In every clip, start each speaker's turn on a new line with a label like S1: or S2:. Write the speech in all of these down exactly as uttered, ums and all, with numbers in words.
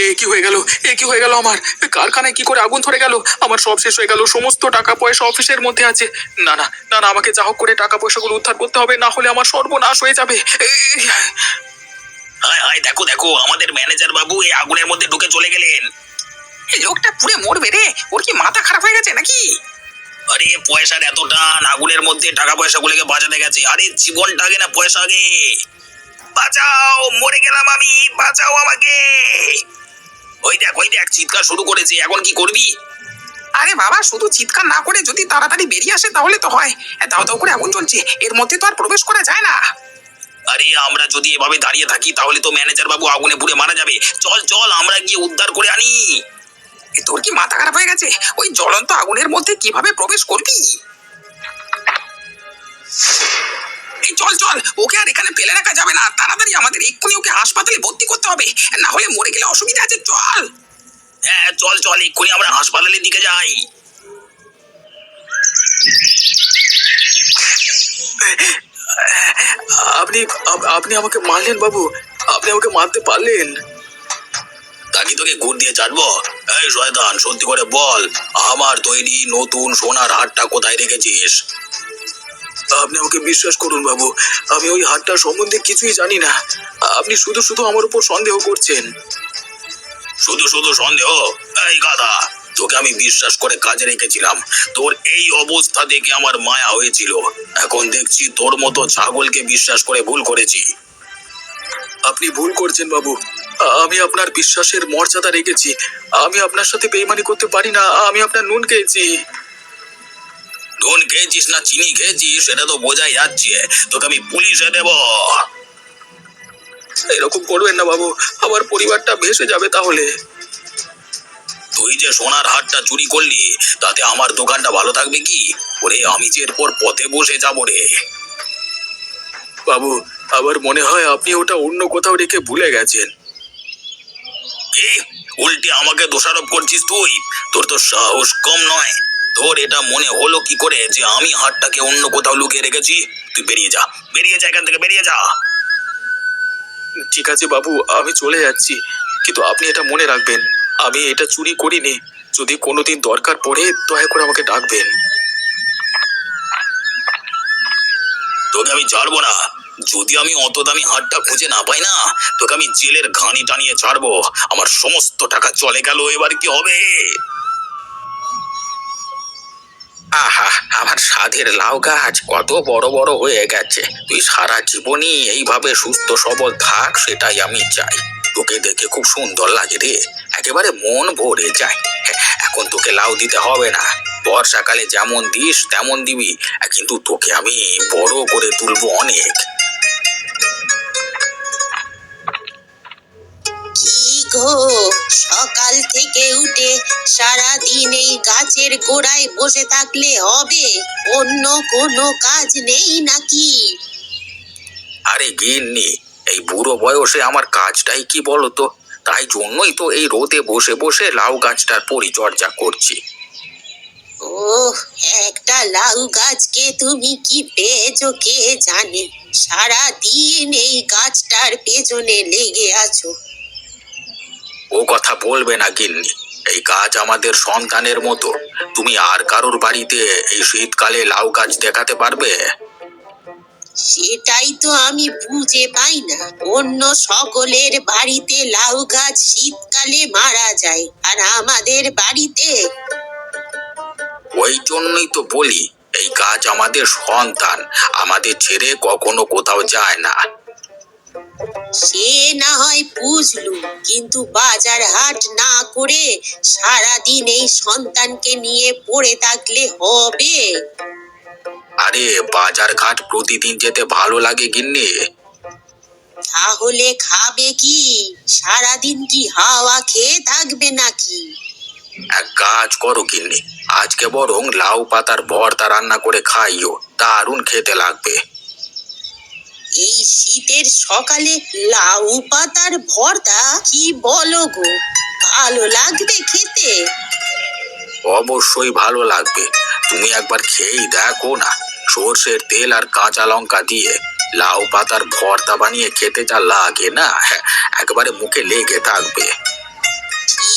S1: এ কি হয়ে গেল? এ কি হয়ে গেল আমার? কারখানায় কি করে আগুন ধরে গেল? আমার সব শেষ হয়ে গেল, সমস্ত টাকা পয়সা অফিসের মধ্যে আছে। না না না না, আমাকে যা হোক করে টাকা পয়সাগুলো উদ্ধার করতে হবে, না হলে আমার সর্বনাশ হয়ে যাবে।
S2: হায় হায়, দেখো দেখো, আমাদের ম্যানেজার বাবু এই আগুনের মধ্যে ঢুকে চলে গেলেন।
S3: এই লোকটা পুড়ে মরবে রে, ওর কি মাথা খারাপ হয়ে গেছে নাকি?
S2: আরে পয়সার এত টান, আগুনের মধ্যে টাকা পয়সা গুলোকে বাঁচাতে গেছে। আরে জীবনটা আগে না পয়সা আগে। বাঁচাও, মরে গেলাম আমি, বাঁচাও আমাকে। ওই দেখ ওই দেখ, চিৎকার শুরু করেছে, এখন কি করবি?
S3: আরে বাবা, শুধু চিৎকার না করে যদি তাড়াতাড়ি বেরিয়ে আসে তাহলে তো হয়। দাও দাও করে আগুন জ্বলছে, এর মধ্যে তো আর প্রবেশ করা যায় না।
S2: আরে আমরা যদি এভাবে দাঁড়িয়ে থাকি তাহলে তো ম্যানেজার বাবু আগুনে পুড়ে মারা যাবে। চল চল, আমরা গিয়ে উদ্ধার করে আনি।
S3: এ তোর কি মাথা খারাপ হয়ে গেছে? ওই জ্বলন্ত আগুনের মধ্যে কিভাবে প্রবেশ করবি? এই চল চল, ওকে আর এখানে ফেলে রাখা যাবে না, তাড়াতাড়ি আমাদের এক্ষুনি ওকে হাসপাতালে ভর্তি করতে হবে, না হলে মরে গেলে অসুবিধা আছে। চল।
S2: হ্যাঁ চল চল, এক্ষুনি আমরা হাসপাতালের দিকে যাই।
S1: আপনি আপ- আপনি আমাকে মারলেন বাবু, আপনি আমাকে মারতে পারলেন?
S2: তাকে তোকে গুড় দিয়ে চাটবো? এই শয়তান, সত্যি করে বল, আমার তৈরি নতুন সোনার হারটা কোথায় রেখেছিস?
S1: আপনি আমাকে বিশ্বাস করুন বাবু, আমি ওই হাটটা সম্বন্ধে কিছুই জানি না। আপনি শুধু শুধু আমার উপর সন্দেহ করছেন।
S2: শুধু শুধু সন্দেহ? এই গাধা, তোকে আমি বিশ্বাস করে কাজে রেখেছিলাম, তোর এই অবস্থা দেখে আমার মায়া হয়েছিল। এখন দেখছি তোর মতো ছাগলকে বিশ্বাস করে ভুল করেছি।
S1: আপনি ভুল করছেন বাবু, আমি আপনার বিশ্বাসের মর্যাদা রেখেছি। আমি আপনার সাথে বেইমানি করতে পারি না, আমি আপনার নুন খেয়েছি।
S2: নুন খেয়েছিস না চিনি খেয়েছিস সেটা তো বোঝাই যাচ্ছে, তোকে আমি পুলিশে দেব।
S1: এরকম করবেন না বাবু, আমার পরিবারটা ভেসে যাবে তাহলে।
S2: তুই যে সোনার হারটা চুরি করলি তাতে আমার দোকানটা ভালো থাকবে কি? ওরে আমি যে এরপর পথে বসে যাবো রে।
S1: বাবু, আমার মনে হয় আপনি ওটা অন্য কোথাও রেখে ভুলে গেছেন।
S2: কি উল্টে আমাকে দোষারোপ করছিস তুই? তোর তো সাহস কম নয়। তোর এটা মনে হলো কি করে যে আমি হারটাকে অন্য কোথাও লুকিয়ে রেখেছি? তুই বেরিয়ে যা, বেরিয়ে যা এখান থেকে, বেরিয়ে যা।
S1: ঠিক আছে বাবু, আমি চলে যাচ্ছি, কিন্তু আপনি এটা মনে রাখবেন, আমি এটা চুরি করিনি। যদি কোনোদিন দরকার পড়ে দয়া করে আমাকে ডাকবেন।
S2: তোকে আমি ছাড়বো না। যদি আমি অত দামি হারটা খুঁজে না পাই না, তোকে আমি জেলের ঘানি টানিয়ে ছাড়বো। আমার সমস্ত টাকা চলে গেল, এবার কি হবে?
S3: আহা, আমার সাধের লাউ গাছ কত বড় বড় হয়ে গেছে। তুই সারা জীবনই এইভাবে সুস্থ সবল থাক, সেটাই আমি চাই। তোকে দেখে খুব সুন্দর লাগে রে, একেবারে মন ভরে যায়। হ্যাঁ, এখন তোকে লাউ দিতে হবে না, বর্ষাকালে যেমন দিস তেমন দিবি, কিন্তু তোকে আমি বড় করে তুলবো অনেক।
S4: কি গো, সকাল থেকে উঠে সারা দিন এই গাছের গোড়ায় বসে থাকলে হবে? অন্য কোনো কাজ নেই নাকি?
S3: আরে গিন্নি, এই বুড়ো বয়সে আমার কাজটাই কি বলতো, তাই জন্যই তো এই রোদে বসে বসে লাউ গাছটার পরিচর্যা করছি।
S4: ও, একটা লাউ গাছকে তুমি কি পেয়েছো কে জানে, সারা দিন এই গাছটার পেছনে লেগে আছো।
S3: ও কথা বলবে না গিন্নি, এই গাছ আমাদের সন্তানের মতো। তুমি আর কারোর বাড়িতে এই শীতকালে লাউ গাছ দেখাতে পারবে?
S4: সেটাই তো আমি বুঝে পাই না, অন্য সকলের বাড়িতে লাউ গাছ শীতকালে মারা যায়, আর আমাদের বাড়িতে?
S3: ওই জন্যই তো বলি, এই গাছ আমাদের সন্তান, আমাদের ছেড়ে কখনো কোথাও যায় না।
S4: সে না হয় বুঝলুম, কিন্তু বাজার হাট না করে সারাদিন এই সন্তানকে নিয়ে পড়ে থাকলে হবে?
S3: আরে বাজার ঘাট প্রতিদিন যেতে ভালো লাগে গিন্নি।
S4: তাহলে খাবে কি? সারাদিন কি হাওয়া খেয়ে থাকবে নাকি?
S3: এক কাজ করো গিন্নি, আজকে বরং লাউ পাতার ভর্তা রান্না করে খাইও, দারুণ খেতে লাগবে।
S4: এই শীতের সকালে লাউ পাতার ভর্তা? কি বলো গো, ভালো লাগবে খেতে?
S3: অবশ্যই ভালো লাগবে, তুমি একবার খেয়েই দেখো না। সর্ষের তেল আর কাঁচা লঙ্কা দিয়ে লাউ পাতার ভর্তা বানিয়ে খেতে যা লাগে না, একেবারে মুখে লেগে থাকবে।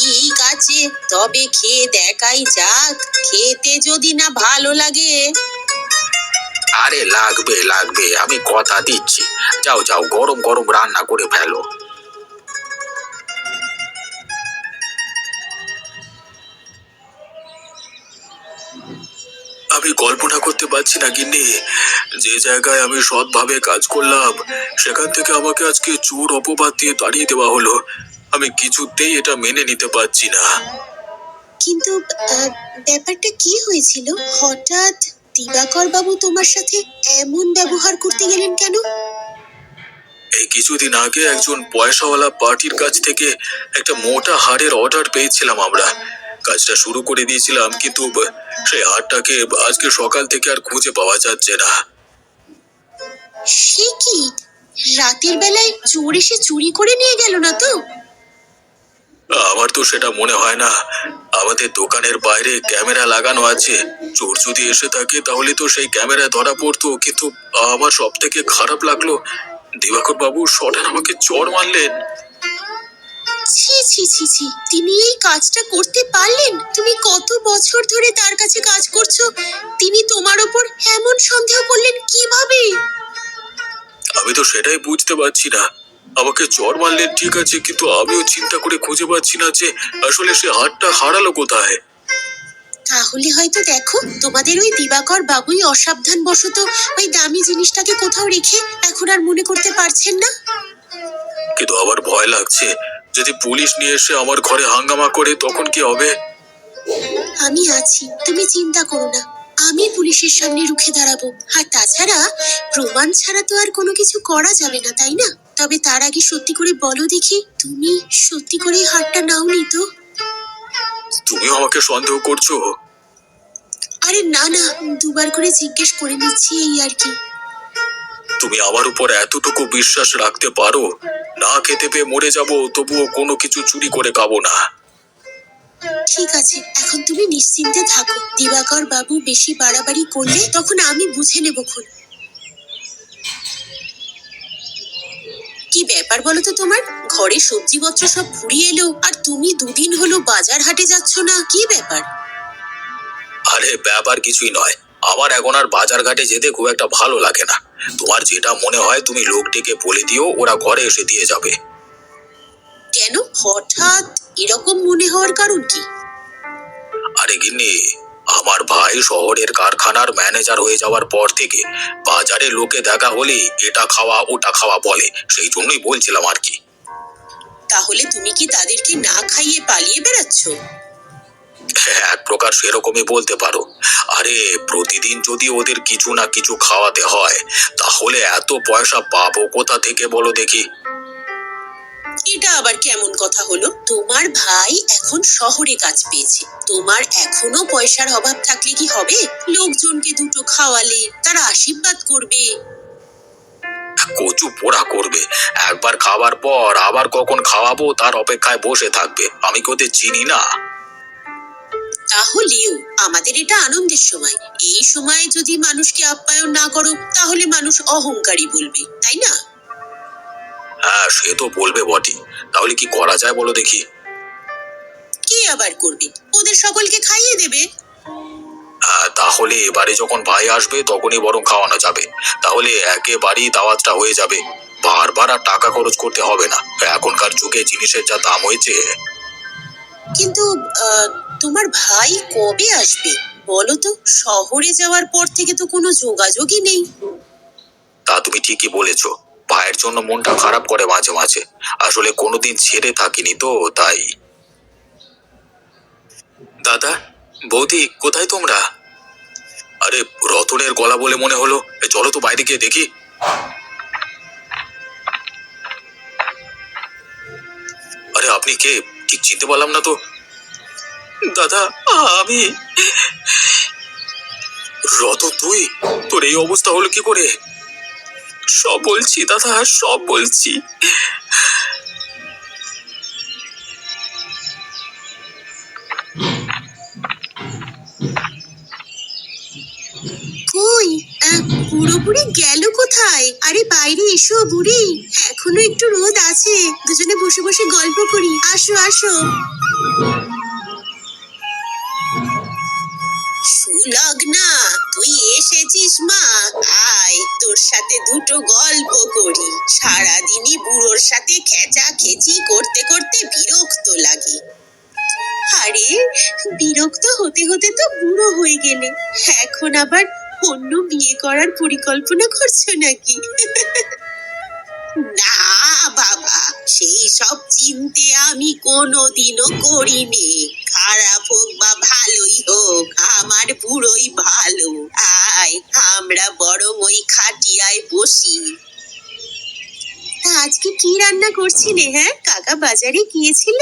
S4: ঠিক আছে, তবে খেয়ে দেখাই যাক। খেতে যদি না ভালো লাগে।
S3: আরে লাগবে লাগবে, আমি কথা দিচ্ছি। যাও যাও, গরম গরম রান্না করে ফেলো।
S1: আমি কল্পনা করতে পারছি না গিন্নি, যে জায়গায় আমি সৎভাবে কাজ করলাম সেখান থেকে আমাকে আজকে চোর অপবাদ দিয়ে তাড়িয়ে দেওয়া হলো। আমি কিছুতেই এটা মেনে নিতে পারছি না।
S4: কিন্তু আহ, ব্যাপারটা কি হয়েছিল? হঠাৎ দিবাকর বাবু তোমার সাথে এমন ব্যবহার করতে গেলেন কেন?
S1: এই কিছুদিন আগে একজন পয়সাওয়ালা পার্টির কাছ থেকে একটা মোটা হাড়ের অর্ডার পেয়েছিলাম আমরা। কাজটা শুরু করে দিয়েছিলাম, কিন্তু ব- সেই হাড়টাকে আজকে সকাল থেকে আর খুঁজে পাওয়া যাচ্ছে না।
S4: সে কি, রাতের বেলায় চোর এসে চুরি করে নিয়ে গেল না তো?
S1: আমার তো সেটা মনে হয় না। আমাদের দোকানের বাইরে ক্যামেরা লাগানো আছে। চোর যদি এসে থাকে তাহলে তো সেই ক্যামেরা ধরা পড়তো, কিন্তু আমার সব থেকে খারাপ লাগলো দিবাকর বাবু সডান আমাকে চড় মারলেন।
S4: ছি ছি ছি ছি, তিনি এই কাজটা করতে পারলেন? তুমি কত বছর ধরে তার কাছে কাজ করছো, তিনি তোমার উপর এমন সন্দেহ করলেন কিভাবে?
S1: আমি তো সেটাই বুঝতে পারছি না। আমাকে চড় মারলেন ঠিক আছে, কিন্তু আমিও চিন্তা করে খুঁজে পাচ্ছি না যে আসলে সে হাতটা হারালো কোথায়।
S4: তাহলে হয়তো দেখো, তোমাদের ওই দিবাকর বাবুই অসাবধান বশত ওই দামি জিনিসটাকে কোথাও রেখে এখন আর মনে করতে পারছেন না।
S1: কিন্তু আমার ভয় লাগছে, যদি পুলিশ নিয়ে এসে আমার ঘরে হাঙ্গামা করে তখন কি হবে?
S4: আমি আছি, তুমি চিন্তা করো না। আমি পুলিশের সামনে রুখে দাঁড়াবো। আর তাছাড়া প্রমাণ ছাড়া তো আর কোনো কিছু করা যাবে না, তাই না? তবে তার আগে সত্যি করে বলো দেখি, তুমি সত্যি করে হারটা নাওনি তো?
S1: তুমিও আমাকে সন্দেহ করছো?
S4: আরে না না, দুবার করে জিজ্ঞেস করে নিচ্ছি, এই আর কি।
S1: তুমি আমার উপর এতটুকু বিশ্বাস রাখতে পারো? না খেতে পেয়ে মরে যাব, তবুও কোনো কিছু চুরি করে খাবো না।
S4: ঠিক আছে, এখন তুমি নিশ্চিন্তে থাকো। দিবাকর বাবু বেশি বাড়াবাড়ি করলে তখন আমি বুঝে নেব খুন। কি ব্যাপার বলো তো তোমার? ঘরে সবজিপত্র সব ফুরিয়ে এলো, আর তুমি দুদিন হলো বাজার হাটে যাচ্ছ না, কি ব্যাপার?
S3: আরে ব্যাপার কিছুই নয়, আমার এখন আর বাজার ঘাটে যেতে খুব একটা ভালো লাগে না। তোমার যেটা মনে হয় তুমি লোকটিকে বলে দিও, ওরা ঘরে এসে দিয়ে যাবে।
S4: কেন হঠাৎ এরকম মনে হওয়ার কারণ কি?
S3: আরে গিন্নি, আমার ভাই শহরের কারখানার ম্যানেজার হয়ে যাওয়ার পর থেকে বাজারে লোকে দেখা হলে এটা খাওয়া ওটা খাওয়া বলে, সেই জন্যই বলছিলাম আর কি।
S4: তাহলে তুমি কি তাদেরকে না খাইয়ে পালিয়ে বেড়াচ্ছ?
S3: এক প্রকার সেরকমই বলতে পারো। আরে প্রতিদিন যদি ওদের কিছু না কিছু খাওয়াতে হয়, তাহলে এত পয়সা পাবো কোথা থেকে বলো দেখি?
S4: এটা আবার কেমন কথা হলো? তোমার ভাই এখন শহরে কাজ পেয়েছে, তোমার এখনো পয়সার অভাব থাকলে কি হবে? লোকজনকে দুটো খাওয়ালে তারা আশীর্বাদ করবে।
S3: কচু পোড়া করবে, একবার খাওয়ার পর আবার কখন খাওয়াবো তার অপেক্ষায় বসে থাকবে। আমি কি ওদের চিনি না?
S4: তাহলেও আমাদের এটা আনন্দের সময়, এই সময় যদি মানুষকে আপ্যায়ন না করো তাহলে মানুষ অহংকারী বলবে, তাই না?
S3: হ্যাঁ, সে তো বলবে বটে। তাহলে কি করা যায় বলো দেখি?
S4: কি আবার করবে? ওদের সকলকে খাইয়ে দেবে।
S3: হ্যাঁ, তাহলে এবারে যখন ভাই আসবে তখনই বরং খাওয়ানো যাবে। তাহলে একেবারেই দাওয়াতটা হয়ে যাবে, বারবার আর টাকা খরচ করতে হবে না। এখনকার যুগে জিনিসের যা দাম হয়েছে।
S4: কিন্তু আহ, তোমার ভাই কবে আসবে বলো তো? শহরে যাওয়ার পর থেকে তো কোনো যোগাযোগই নেই।
S3: তা তুমি ঠিকই বলেছো, ভাইয়ের জন্য মনটা খারাপ করে মাঝে মাঝে। আসলে কোনোদিন ছেড়ে থাকিনি তো, তাই। দাদা, বৌদি, কোথায় তোমরা? আরে রতনের গলা বলে মনে হলো, এ, চলো তো বাইরে গিয়ে দেখি। আরে আপনি কে? ঠিক চিনতে পারলাম না তো। দাদা, আমি রতন। তুই? তোর এই অবস্থা হলো কি করে? সব বলছি দাদা, সব বলছি।
S4: কই, আহ, বুড়ো বুড়ি গেল কোথায়? আরে বাইরে এসো বুড়ি, এখনো একটু রোদ আছে, দুজনে বসে বসে বসে গল্প করি। আসো আসো। সুলগ্না, তুই এসেছিস মা? আয়, তোর সাথে দুটো গল্প করি। সারাদিনই বুড়োর সাথে খেচা খেচি করতে করতে বিরক্ত লাগে। আরে, বিরক্ত হতে হতে তো বুড়ো হয়ে গেলে, এখন আবার অন্য বিয়ে করার পরিকল্পনা করছো নাকি? না বাবা, সেই সব চিনতে আমি কোনোদিনও করিনি। খারাপ হোক বা ভালোই হোক, আমার বুড়োই ভালো। আয়, আমরা বরং ওই খাটিয়ায় বসি। তা আজকে কি রান্না করছিলে? হ্যাঁ, কাকা বাজারে গিয়েছিল?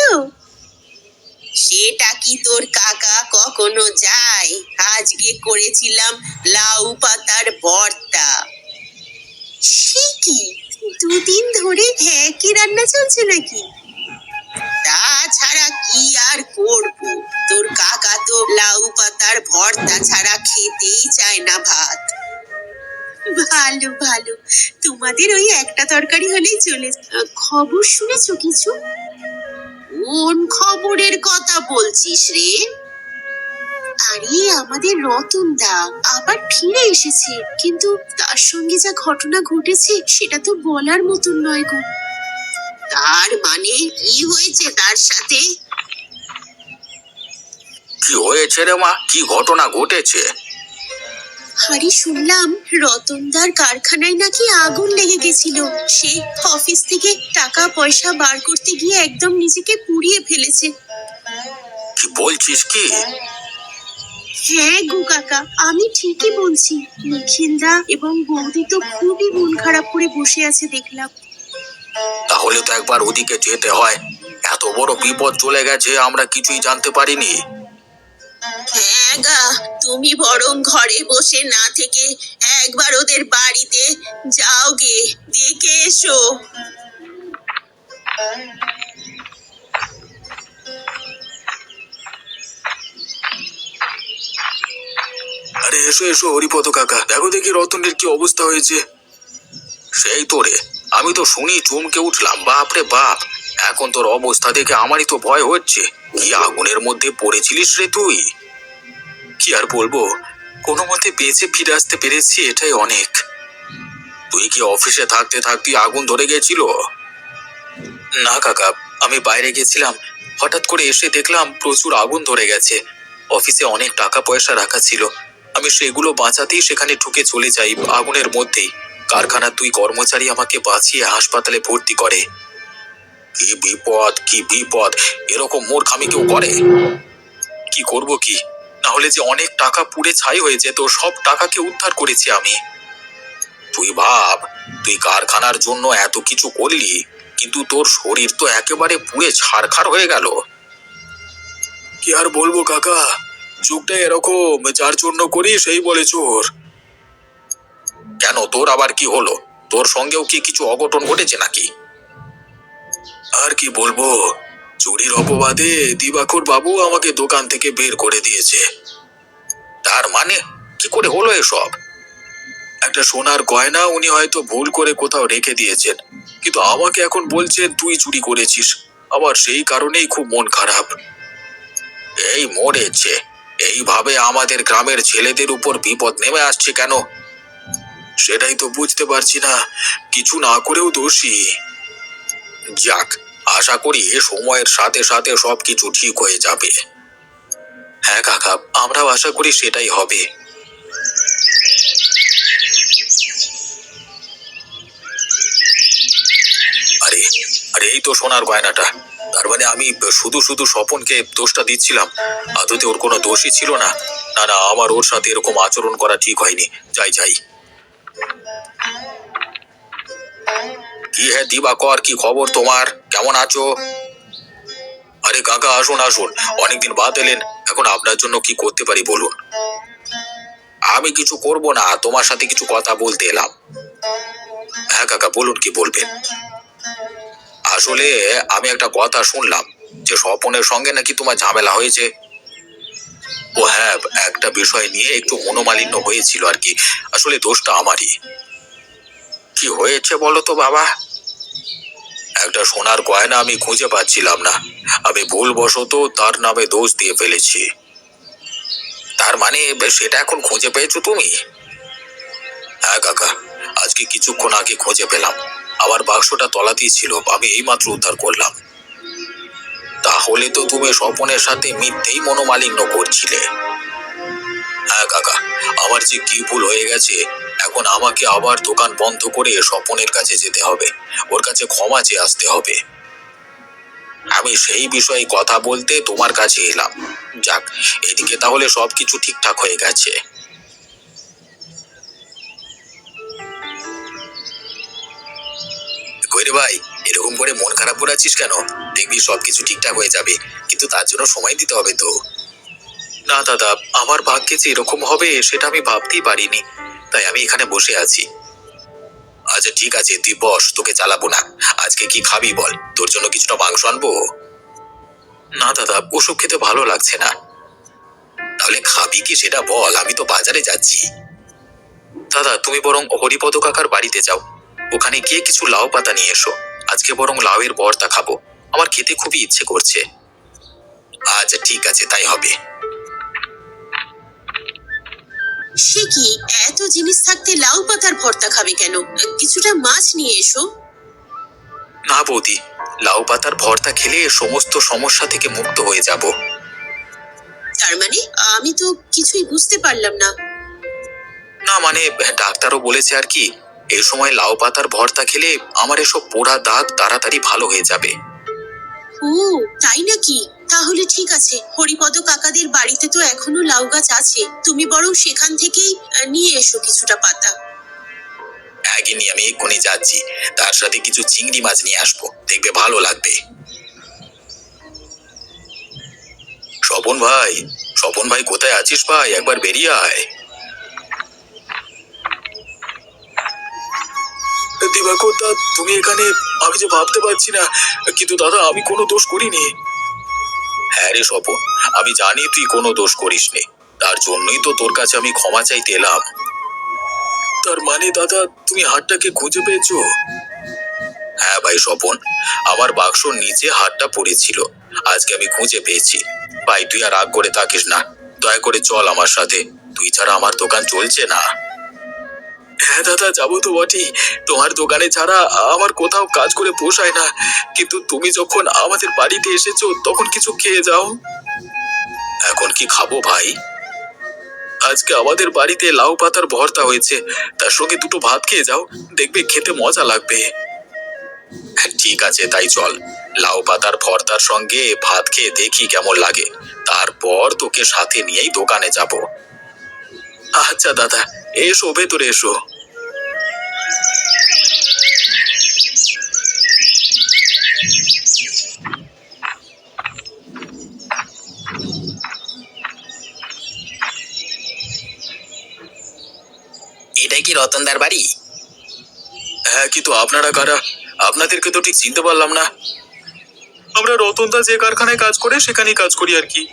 S4: সেটা কি তোর কাকা কখনো যায়? আজকে করেছিলাম লাউ পাতার ভর্তা। সে কি, দুদিন ধরে একই রান্না চলছে নাকি? তাছাড়া কি আর করব, তোর কাকা তো লাউ পাতার ভর্তা ছাড়া খেতেই চায় না ভাত। ভালো ভালো, তোমাদের ওই একটা তরকারি হলেই চলে। খবর শুনেছো কিছু? কোন খবরের কথা বলছিস রে? আরে, আমাদের রতন দা আবার ফিরে এসেছে, কিন্তু তার সঙ্গে যা ঘটনা ঘটেছে সেটা তো বলার মতন নয় গো। তার মানে কি হয়েছে তার সাথে?
S3: কি হয়েছে রে মা? কি ঘটনা ঘটেছে?
S4: আরে, শুনলাম রতনদার কারখানায় নাকি আগুন লেগে গেছিল। সে অফিস থেকে টাকা পয়সা বার করতে গিয়ে একদম নিজেকে পুড়িয়ে ফেলেছে।
S3: কি বলছিস কি?
S4: হ্যাঁ গো কাকা, আমি ঠিকই বলছি। নিখিলদা এবং বৌদি তো খুবই মন খারাপ করে বসে আছে দেখলাম।
S3: তাহলে তো একবার ওদিকে যেতে হয়। এত বড় বিপদ চলে গেছে, আমরা কিছুই জানতে পারিনি।
S4: হ্যাঁ গা, তুমি বরং ঘরে বসে না থেকে একবার ওদের বাড়িতে যাও গে, দেখে এসো।
S1: আরে এসো এসো হরিপদ কাকা, দেখো দেখি রতনের কি অবস্থা হয়েছে।
S3: সেই তো রে, আমি তো শুনি চমকে উঠলাম। বাপরে বাপ, এখন তোর অবস্থা দেখে আমারই তো ভয় হচ্ছে। কি আগুনের মধ্যে পড়েছিলিস রে তুই?
S1: কি আর বলবো, কোনো মতে বেঁচে ফিরে আসতে পেরেছি, এটাই অনেক।
S3: তুই কি অফিসে থাকতে থাকতে আগুন ধরে গেছিল?
S1: না কাকা, আমি বাইরে গেছিলাম, হঠাৎ করে এসে দেখলাম প্রচুর আগুন ধরে গেছে। অফিসে অনেক টাকা পয়সা রাখা ছিল, আমি সেগুলো বাঁচাতেই সেখানে ঢুকে চলে যাই আগুনের মধ্যেই। কারখানার দুই কর্মচারী আমাকে বাঁচিয়ে হাসপাতালে ভর্তি করে।
S3: কি বিপদ, কি বিপদ! এরকম মূর্খামি কেউ করে?
S1: কি করব কি, না হলে যে অনেক টাকা পুড়ে ছাই হয়ে যেত। সব টাকাকে উদ্ধার করেছি আমি।
S3: তুই ভাব, তুই কারখানার জন্য এত কিছু করলি, কিন্তু তোর শরীর তো একেবারে পুড়ে ছারখার হয়ে গেল।
S1: কি আর বলবো কাকা, যুগটা এরকম, যার জন্য করি সেই বলে চোর।
S3: কেন, তোর আবার কি হলো? তোর সঙ্গেও কি কিছু অঘটন ঘটেছে নাকি?
S1: আর কি বলবো, চুরির অপবাদে দিবাকর বাবু আমাকে দোকান থেকে বের করে দিয়েছে।
S3: তার মানে কি করে হলো এসব?
S1: একটা সোনার গয়না উনি হয়তো ভুল করে কোথাও রেখে দিয়েছেন, কিন্তু আমাকে এখন বলছেন তুই চুরি করেছিস। আবার সেই কারণেই খুব মন খারাপ।
S3: এই মরেছে, এইভাবে আমাদের গ্রামের ছেলেদের উপর বিপদ নেমে আসছে কেন?
S1: সেটাই তো বুঝতে পারছি না, কিছু না করেও দোষী।
S3: যাক, আশা করি সময়ের সাথে সাথে সবকিছু ঠিক হয়ে যাবে।
S1: হ্যাঁ কাকা, আমরাও আশা করি সেটাই হবে। আরে আরে এই তো সোনার গয়নাটা। তার মানে আমি শুধু শুধু স্বপনকে দোষটা দিচ্ছিলাম, আদতে ওর কোনো দোষই ছিল না। না না, আমার ওর সাথে এরকম আচরণ করা ঠিক হয়নি। যাই যাই।
S3: কি হে দিবাকর, কি খবর তোমার? কেমন আছো?
S1: আরে কাকা, আসুন আসুন, অনেকদিন বাদ এলেন। এখন আপনার জন্য কি করতে পারি বলুন।
S3: আমি কিছু করব না, তোমার সাথে কিছু কথা বলতে এলাম।
S1: হ্যাঁ কাকা, বলুন, কি বলবেন।
S3: আসলে আমি একটা কথা শুনলাম যে স্বপনের সঙ্গে নাকি তোমার ঝামেলা হয়েছে।
S1: ও হ্যাঁ, একটা বিষয় নিয়ে একটু মনোমালিন্য হয়েছিল আর কি। আসলে দোষটা আমারই।
S3: কি হয়েছে বলো তো বাবা?
S1: একটা সোনার গয়না আমি খুঁজে পাচ্ছিলাম না। আমি ভুলবশত তার নামে দোষ দিয়ে ফেলেছি।
S3: তার মানে সেটা এখন খুঁজে পেয়েছো তুমি?
S1: হ্যাঁ কাকা, আজকে কিছুক্ষণ আগে খুঁজে পেলাম। আমার বাক্সটা তলাতেই ছিল, আমি এইমাত্র উদ্ধার করলাম।
S3: তাহলে তো তুমি স্বপনের সাথে মিথ্যেই মনোমালিন্য করছিলে।
S1: হ্যাঁ কাকা, আমার যে কি ভুল হয়ে গেছে। এখন আমাকে আবার দোকান বন্ধ করে স্বপনের কাছে যেতে হবে, ওর কাছে ক্ষমা চেয়ে আসতে হবে।
S3: আমি সেই বিষয়ে কথা বলতে তোমার কাছে এলাম। যাক, এদিকে তাহলে সবকিছু ঠিকঠাক হয়ে গেছে।
S1: কইরে ভাই, এরকম করে মন খারাপ করে আছিস কেন? দেখবি সবকিছু ঠিকঠাক হয়ে যাবে, কিন্তু তার জন্য সময় দিতে হবে তো। না দাদা, আমার ভাগ্যে যে এরকম হবে সেটা আমি ভাবতেই পারিনি, তাই আমি এখানে বসে আছি। আচ্ছা ঠিক আছে, তুই বস, তোকে চালাবো না। আজকে কি খাবি বল, তোর জন্য কিছুটা মাংস আনবো? না দাদা, ওসব খেতে ভালো লাগছে না। তাহলে খাবি কি সেটা বল, আমি তো বাজারে যাচ্ছি। দাদা, তুমি বরং হরিপদ কাকার বাড়িতে যাও, ওখানে গিয়ে কিছু লাউ পাতা নিয়ে এসো। আজকে বরং লাউয়ের ভর্তা খাবো, আমার খেতে খুবই ইচ্ছে করছে। আচ্ছা ঠিক আছে, তাই হবে।
S4: সে কি, এত জিনিস থাকতে লাউ পাতার ভর্তা খাবে কেন? কিছুটা মাছ নিয়ে এসো।
S1: না বৌদি, লাউ পাতার ভর্তা খেলে সমস্ত সমস্যা থেকে মুক্ত হয়ে যাব।
S4: তার মানে আমি তো কিছুই বুঝতে পারলাম না।
S1: না মানে, ডাক্তারও বলেছে আর কি, এই সময় লাউ পাতার ভর্তা খেলে আমার এসব পোড়া দাগ তাড়াতাড়ি ভালো হয়ে যাবে।
S4: ও তাই নাকি? তাহলে ঠিক আছে, হরিপদ কাকাদের বাড়িতে তো এখনো লাউ গাছ আছে, তুমি বরং সেখান থেকেই আহ, নিয়ে এসো কিছুটা পাতা।
S1: আগে নিয়ে আমি এক্ষুনি যাচ্ছি, তার সাথে কিছু চিংড়ি মাছ নিয়ে আসবো, দেখবে ভালো লাগবে। স্বপন ভাই, স্বপন ভাই কোথায় আছিস ভাই? একবার বেরিয়ে আয়। দিবাকর দা, তুমি এখানে? আমি যে ভাবতে পারছি না, কিন্তু দাদা আমি কোনো দোষ করিনি। হ্যাঁ রে স্বপন, আমি জানি তুই কোনো দোষ করিসনি, তার জন্যই তো তোর কাছে আমি ক্ষমা চাইতে এলাম। তার মানে দাদা, তুমি হাতটাকে খুঁজে পেয়েছো? হ্যাঁ ভাই স্বপন, আমার বাক্সর নিচে হাতটা পড়েছিল, আজকে আমি খুঁজে পেয়েছি। ভাই তুই আর রাগ করে থাকিস না, দয়া করে চল আমার সাথে, তুই ছাড়া আমার দোকান চলছে না। হ্যাঁ দাদা, যাবো তো বটেই, তোমার দোকানে ছাড়া আমার কোথাও কাজ করে পোষায় না, কিন্তু তুমি যখন আমাদের বাড়িতে এসেছো তখন কিছু খেয়ে যাও। এখন কি খাবো ভাই? আজকে আমাদের বাড়িতে লাউ পাতার ভর্তা হয়েছে, তার সঙ্গে দুটো ভাত খেয়ে যাও, দেখবে খেতে মজা লাগবে। ঠিক আছে, তাই চল, লাউ পাতার ভর্তার সঙ্গে ভাত খেয়ে দেখি কেমন লাগে, তারপর তোকে সাথে নিয়েই দোকানে যাব। আচ্ছা দাদা, এসো ভেতরে এসো।
S2: এটাই কি রতনদার বাড়ি?
S1: হ্যাঁ, কিন্তু আপনারা কারা? আপনাদেরকে তো ঠিক চিনতে পারলাম না। আমরা রতনদা যে কারখানায় কাজ করে সেখানেই কাজ করি আর কি।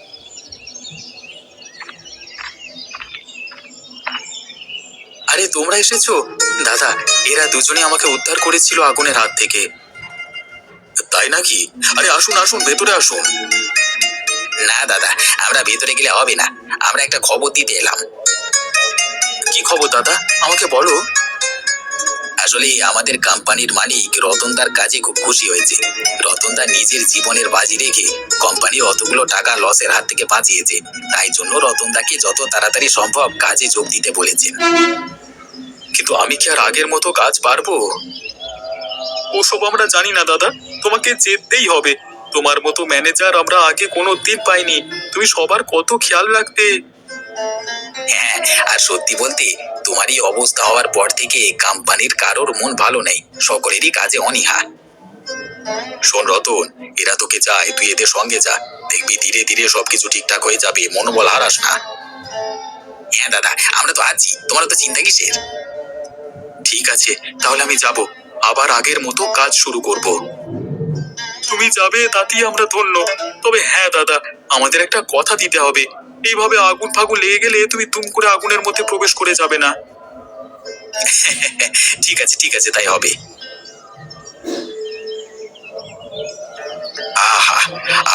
S1: আরে তোমরা এসেছো? দাদা, এরা দুজনে আমাকে উদ্ধার করেছিল আগুনের হাত থেকে। তাই নাকি? আরে আসুন আসুন, ভেতরে আসুন।
S2: না দাদা, আমরা ভেতরে গেলে হবে না, আমরা একটা খবর দিতে এলাম।
S1: কি খবর দাদা, আমাকে বলো।
S2: আসলে আমাদের কোম্পানির মালিক রতনদার কাজে খুব খুশি হয়েছে। রতনদা নিজের জীবনের বাজি রেখে কোম্পানির অতগুলো টাকা লসের হাত থেকে বাঁচিয়েছে, তাই জন্য রতনদাকে যত তাড়াতাড়ি সম্ভব কাজে যোগ দিতে বলেছেন।
S1: কিন্তু আমি কি আর আগের মতো কাজ পারবো? ওসব আমরা জানি না দাদা, তোমাকে যেতেই হবে। তোমার মতো ম্যানেজার আমরা আগে কোনো দিন পাইনি, তুমি সবার কত খেয়াল রাখতে।
S2: হ্যাঁ, আর সত্যি বলতে তোমার এই অবস্থা হওয়ার পর থেকে কোম্পানির কারোর মন ভালো নেই, সকলেরই কাজে অনীহা।
S1: শোন রতন, এরা তোকে চায়, তুই এদের সঙ্গে যা, দেখবি ধীরে ধীরে সবকিছু ঠিকঠাক হয়ে যাবে, মনোবল হারাস না।
S2: হ্যাঁ দাদা, আমরা তো আছি, তোমার তো চিন্তা কিসের?
S1: ঠিক আছে, তাহলে আমি যাব, আবার আগের মতো কাজ শুরু করব। তুমি যাবে তাতেই আমরা ধন্য। তবে হ্যাঁ দাদা, আমাদের একটা কথা দিতে হবে, এইভাবে আগুন ফাগুন লেগে গেলে তুমি তুম করে আগুনের মধ্যে প্রবেশ করে যাবে না।
S2: ঠিক আছে ঠিক আছে, তাই হবে।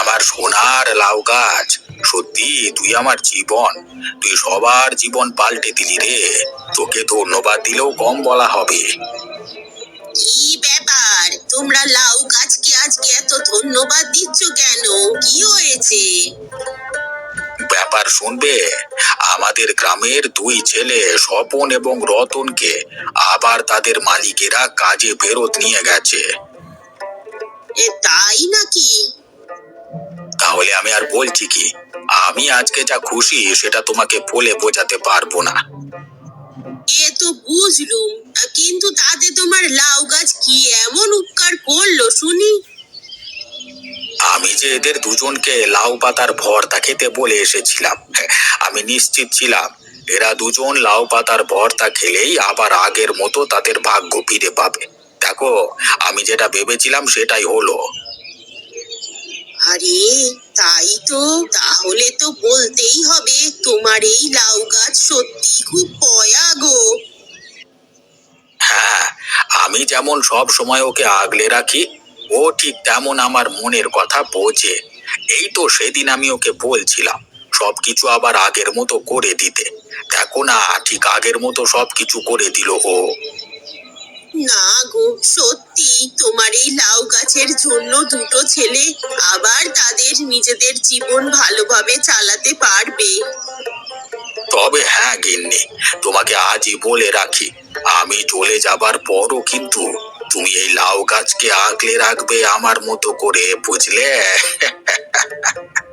S3: আমার সোনার লাউ গাছ, সত্যি তুই আমার জীবন। তুই সবার জীবন পাল্টে দিলি রে। তোকে ধন্যবাদ দিলেও কম বলা হবে।
S4: কি ব্যাপার, তোমরা লাউ গাছকে আজকে এত ধন্যবাদ দিচ্ছ কেন? কি হয়েছে?
S3: ব্যাপার শুনবে, আমাদের গ্রামের দুই ছেলে স্বপন এবং রতনকে আবার তাদের মালিকেরা কাজে ফেরত নিয়ে গেছে।
S4: এ তাই নাকি?
S3: তাহলে আমি আর বলছি কি, আমি আজকে যা খুশি সেটা তোমাকে বলে বোঝাতে পারবো না।
S4: এ তো বুঝলুম, কিন্তু তাতে তোমার লাউ গাছ কি এমন উপকার করলো শুনি?
S3: আমি যে এদের দুজনকে লাউ পাতার ভর্তা খেতে বলে এসেছিলাম, আমি নিশ্চিত ছিলাম এরা দুজন লাউ পাতার ভর্তা খেলেই আবার আগের মতো তাদের ভাগ্য ফিরে পাবে। দেখো, আমি যেটা ভেবেছিলাম সেটাই হলো।
S4: আরে তাই তো, তাহলে তো বলতেই হবে তোমার এই লাউ গাছ সত্যি খুব পয়া গো।
S3: হ্যাঁ, আমি যেমন সব সময় ওকে আগলে রাখি, ও ঠিক তেমন আমার মনের কথা বোঝে। এই তো সেদিন আমি ওকে বলছিলাম সবকিছু আবার আগের মতো করে দিতে। দেখো না, ঠিক আগের মতো সবকিছু করে দিল ও।
S4: না গো, সত্যি তোমার এই লাউ গাছের জন্য দুটো ছেলে আবার তাদের নিজেদের জীবন ভালোভাবে চালাতে পারবে।
S3: তবে হ্যাঁ গিন্নি, তোমাকে আজই বলে রাখি, আমি চলে যাবার পরও কিন্তু তুমি এই লাউ গাছকে আগলে রাখবে আমার মতো করে, বুঝলে?